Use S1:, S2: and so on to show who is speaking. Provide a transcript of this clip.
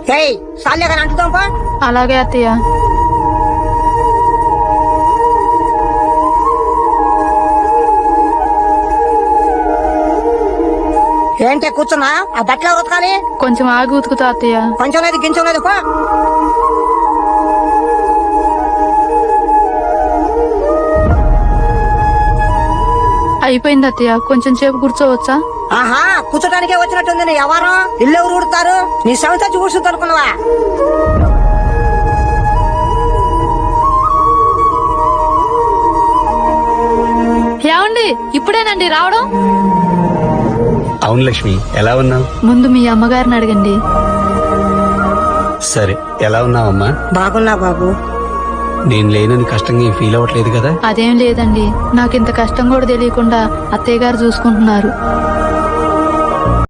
S1: సాలే కానీ అంటుతాం పా.
S2: అలాగే అత్తయ్య.
S1: ఏంటే కూర్చున్నా? ఆ బట్టలు ఎవరు ఉతకాలి?
S2: కొంచెం ఆగి ఉతుకుతా అత్తయ్య.
S1: కొంచెం లేదు గించం లేదు పా.
S2: అయిపోయింది అత్తయ్య, కొంచెం సేపు కూర్చోవచ్చా?
S1: ఆహా, కూర్చోటానికే వచ్చినట్టుంది. నీ ఎవరు ఇల్లు ఎవరు ఊడతారు? నీ సంస్థ కూర్చుంది అనుకున్నావా?
S2: ఏమండి, ఇప్పుడేనండి రావడం?
S3: అవును లక్ష్మి, ఎలా ఉన్నావు?
S2: ముందు మీ అమ్మగారిని అడగండి.
S3: సరే, ఎలా ఉన్నావమ్మా?
S1: బాగున్నా బాబు.
S3: నేను లేనని కష్టంగా ఏం ఫీల్ అవ్వట్లేదు కదా?
S2: అదేం లేదండి, నాకింత కష్టం కూడా తెలియకుండా అత్తయ్య గారు చూసుకుంటున్నారు.